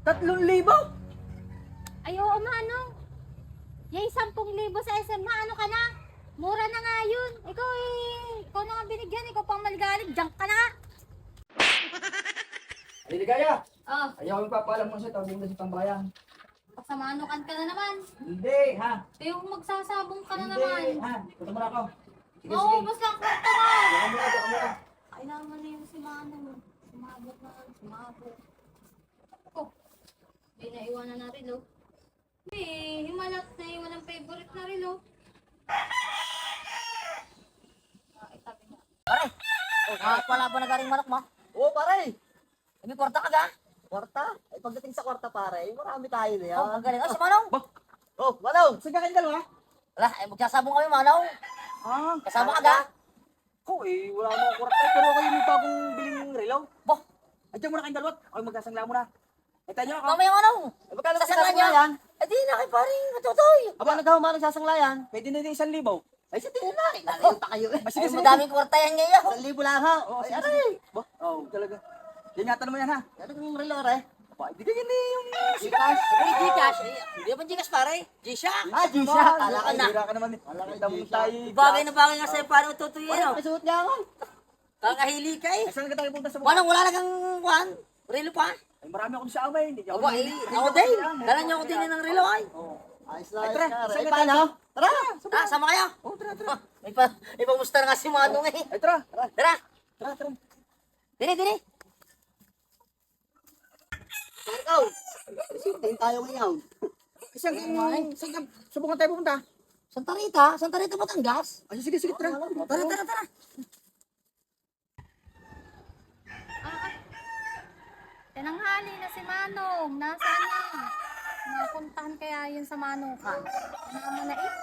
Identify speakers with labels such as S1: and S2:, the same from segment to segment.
S1: 3,000?
S2: Ay, oo, Manong. Yung 10,000 sa SM, ano ka na? Mura na nga yun. Ikaw na nga binigyan. Ikaw pang maligalig. Diyan ka na.
S1: Aligaya!
S2: Oh,
S1: Ayaw yung papaalam mo siya, tawagin mo sa tambayan.
S2: pagsamanukan ka na naman.
S1: Hindi, ha?
S2: Yung magsasabong ka na
S1: Hindi,
S2: naman.
S1: ha? Punta mo na ako. Sige,
S2: Oo,
S1: sige.
S2: ubos lang kwarta mo.
S1: Diyan ka muna.
S2: Ay, naman na yung si Manong. Sumabot na. Sumabot. Oh, hindi na iwanan na rin, oh. Himalat na iwan ang favorite na rin, oh. Itabi na.
S3: Pare, wala ba na garing manok mo? Oo, pare. May kwarta ka ga? Kwarta? Ay, pagdating sa kwarta, pare, marami tayo na yan. Oh, magaling. Oh, si Manong. Oh, Manong.
S1: Saan ka kayong dalawa?
S3: Wala, ay magsasabong kami, Manong.
S1: Ah,
S3: Kasama ka ga?
S1: ko eh, wala mo kwarta. Pero kayo may bagong biling relo.
S3: Boh,
S1: Ay, diyan muna kayong dalawa. Ako magsasangla muna. Ay, tayo ako.
S3: mamaya, Manong.
S1: Ay, magkano sa
S3: Sasangla niya.
S1: sasanglayan?
S3: Eh, di na kay paring matutoy.
S1: Aba, nagkawa ng sasanglayan. Pwede na din 1,000.
S3: Ay, sa tingin na. Lalayo pa kayo eh.
S1: Ay, sige,
S3: Ay,
S1: sige.
S3: madaming kwarta yan ngayon.
S1: 1,000 lang ha. Oo,
S3: Ay,
S1: sige,
S3: aray.
S1: sige. Ba? Oo, talaga. Ingatan mo yan ha.
S3: Ano yung relo, re?
S1: Aba, hindi ka yan eh, yung
S3: Gcash. Ay, Gcash. Eh, hindi naman Gcash, pare. G-Shock.
S1: Ah, G-Shock.
S3: Kala ka na.
S1: Hira ka naman eh. Damo tayo.
S3: Bagay na bagay nga sa'yo, paano tutuyin,
S1: Ano,
S3: no?
S1: may suot niya ako.
S3: Kakahili ka eh.
S1: Ay, saan ka tayo punta sa
S3: Manong, wala lang kang kuhan. Relo pa.
S1: Ay, marami akong sa amay. Hindi
S3: Aba, eh, ako din. Dala niyo ako din ng relo, ay.
S1: Ayos na, ayos na. Ay, paano?
S3: Tara! Ah, sama kayo.
S1: Oh, tara.
S3: May pamusta na nga si Manong eh.
S1: Ay, tara.
S3: Tara!
S1: Tara.
S3: Dini!
S1: Ikaw. Sintayin tayo ngayon. Subukan tayo pupunta.
S3: Santa Rita, Batangas.
S1: Ay, sige, tara.
S3: Tara.
S2: Tinanghali na si Manong. Nasaan na? Napuntahan kaya yun sa Manong ka. Ano na eh?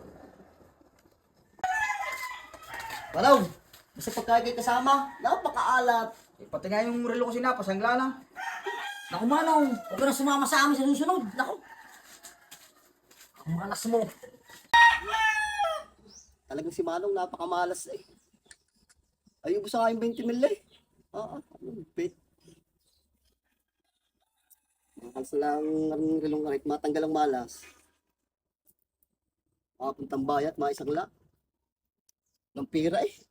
S3: Walaw! Basta pagkain kayo kasama, napakaalat.
S1: Eh, pati nga yung relo ko sinapa, sangla lang.
S3: Naku Manong, huwag ka na sumama sa amin sa susunod. Naku! Ang malas mo.
S4: Talagang si Manong napakamalas eh. Ay, ubos nga yung 20 mil eh. Oo, bet. Makalas lang ang rilong kahit matanggal ang malas. Makapuntang bayat, maisang la. Ng pira eh.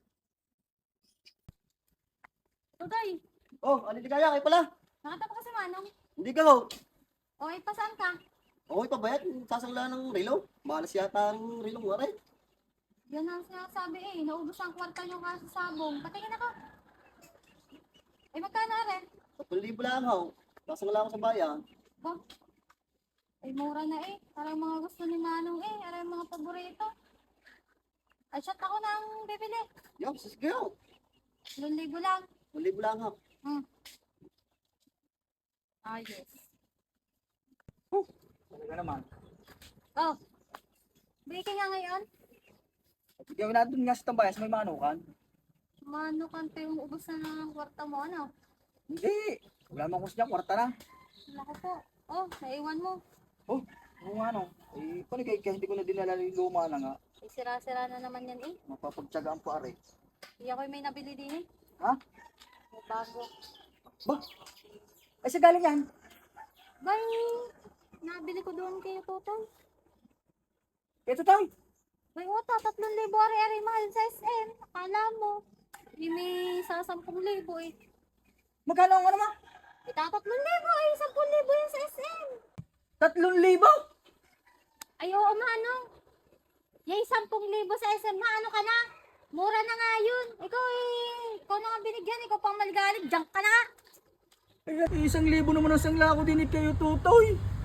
S2: Tutoy,
S4: Oh, aliligaya kayo pala.
S2: nakita pa ka si Manong.
S4: Hindi ka ho.
S2: O, saan ka?
S4: Okay pa bayat, sasangla ng rilo. Malas yata ang rilong waray.
S2: Yan ang sinasabi eh. Naubos ang kwarta nyo kasi sabong. Patingin ako. Ay, magkano rin?
S4: 10,000 lang ho. Sasangla ako sa bayan.
S2: Ba? Ay, mura na eh. Parang mga gusto ni Manong eh. Parang mga paborito. Ay, shot ako nang bibili.
S4: Yo, sige ho.
S2: 2,000 lang.
S4: 10,000 lang ho.
S2: Ayos.
S1: Talaga naman.
S2: Oh. Biki nga ngayon.
S1: Bigyan na doon nga sa tambayan, sa may manukan.
S2: Mano kante yung ubos na ng kwarta mo, ano?
S1: Hindi. Wala mang kusya, kwarta na.
S2: Naku po. Oh, naiwan mo.
S1: Oh, kung ano. Eh, paano kaya hindi ko na dinala yung luma na nga.
S2: Ay, sira-sira na naman yan eh.
S1: Mapapagtsagaan po are.
S2: Hindi ako may nabili din eh.
S1: Ha?
S2: May bago.
S1: Ba? Ay, sa galing yan.
S2: Bay, nabili ko doon kay Totoy.
S1: Ito tayo.
S2: May uta, 3,000 ari-ari mahal sa SM. Akala mo. Hindi may sa 10,000 eh.
S1: Magkano ang ano ma?
S2: Ita 3,000 ay 10,000 yan sa SM.
S1: 3,000?
S2: Ay, oo, Manong. Yung 10,000 sa SM, ano ka na? Mura na nga yun. Ikaw na nga binigyan. Ikaw pang maligalig. Diyan ka na.
S1: Ay, 1,000 naman ang sangla ko din kayo, Tutoy.